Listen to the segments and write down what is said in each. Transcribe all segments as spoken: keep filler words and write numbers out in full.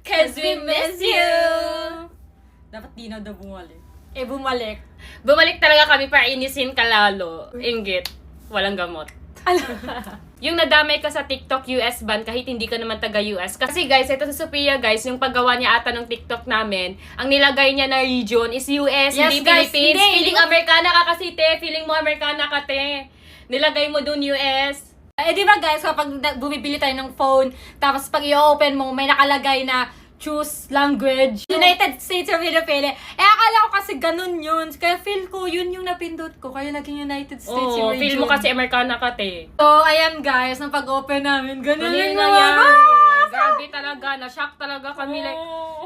'Cause we miss you! Dapat di na daw bumalik. Eh, bumalik. Bumalik talaga kami para inisin ka lalo. Inggit. Walang gamot. Yung nadamay ka sa TikTok U S ban kahit hindi ka naman taga U S. Kasi guys, ito sa Sophia guys, yung paggawa niya ata ng TikTok namin, ang nilagay niya na region is U S, Yes, hindi guys, Philippines. hindi, Feeling hindi- Amerikana ka kasi te. Feeling mo Amerikana ka te. Nilagay mo dun U S. Eh, di ba guys, kapag na- bumibili tayo ng phone, tapos pag i-open mo, may nakalagay na choose language. United States of Philippines. Eh, akala ko kasi ganun yun. Kaya feel ko, yun yung napindot ko. Kaya naging United States yung Oo, region. feel mo kasi Amerikana ka te. So, ayan guys, nang pag-open namin, ganun Ganun yung na mga yan. bas! Grabe talaga. Na-shock talaga kami. Like,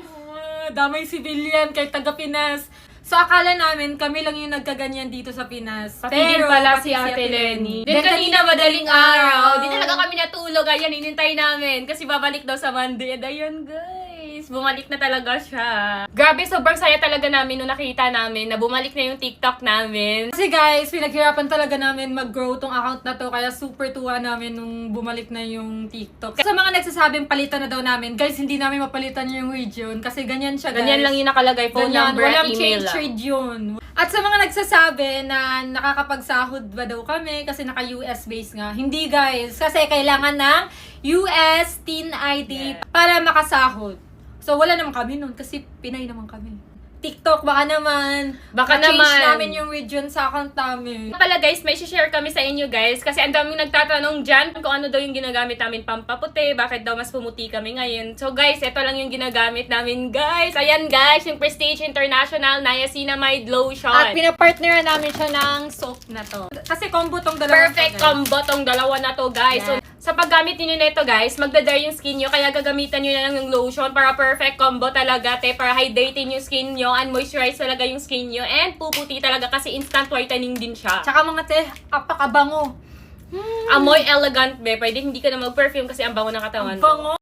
Ah, damay civilian kay taga Pinas. So, akala namin, kami lang yung nagkaganyan dito sa Pinas. pati din pala si pati Ate Lenny. Then, Then kanina madaling araw. Di Di talaga kami natulog. Ayan, inintay namin. Kasi babalik daw sa Monday. And ayun, guys. Bumalik na talaga siya. Grabe, sobrang saya talaga namin nung nakita namin na bumalik na yung TikTok namin. Kasi guys, pinaghirapan talaga namin mag-grow tong account na to. Kaya super tuwa namin nung bumalik na yung TikTok. Sa mga nagsasabing palitan na daw namin, guys, hindi namin mapalitan yung region. Kasi ganyan siya, guys. Ganyan lang yung nakalagay. Phone Ganyan, number at walang email change lang. trade yun. At sa mga nagsasabi na nakakapagsahod ba daw kami kasi naka-U S base nga. Hindi guys, kasi kailangan ng U S Teen I D Yeah. para makasahod. So wala naman kami nun kasi Pinay naman kami. TikTok, baka naman. Baka ma-change naman. namin yung region sa account namin. Pala guys, may share kami sa inyo guys kasi ang daming nagtatanong dyan kung ano daw yung ginagamit namin pampaputi, bakit daw mas pumuti kami ngayon. So guys, ito lang yung ginagamit namin guys. Ayan guys, yung Prestige International Niacinamide Lotion. At pinapartneran namin siya ng soap na to. Kasi combo tong dalawa. Perfect combo tong dalawa na to guys. So, Yeah. sa paggamit niyo nito guys, magda-dry yung skin nyo kaya gagamitan nyo na lang yung lotion para perfect combo talaga te, para hydrating yung skin nyo and moisturize talaga yung skin nyo and puputi talaga kasi instant whitening din siya. Tsaka mga te, apakabango. Amoy elegant be, pwede hindi ka na mag-perfume kasi ang bango ng katawan Ang mo. bango.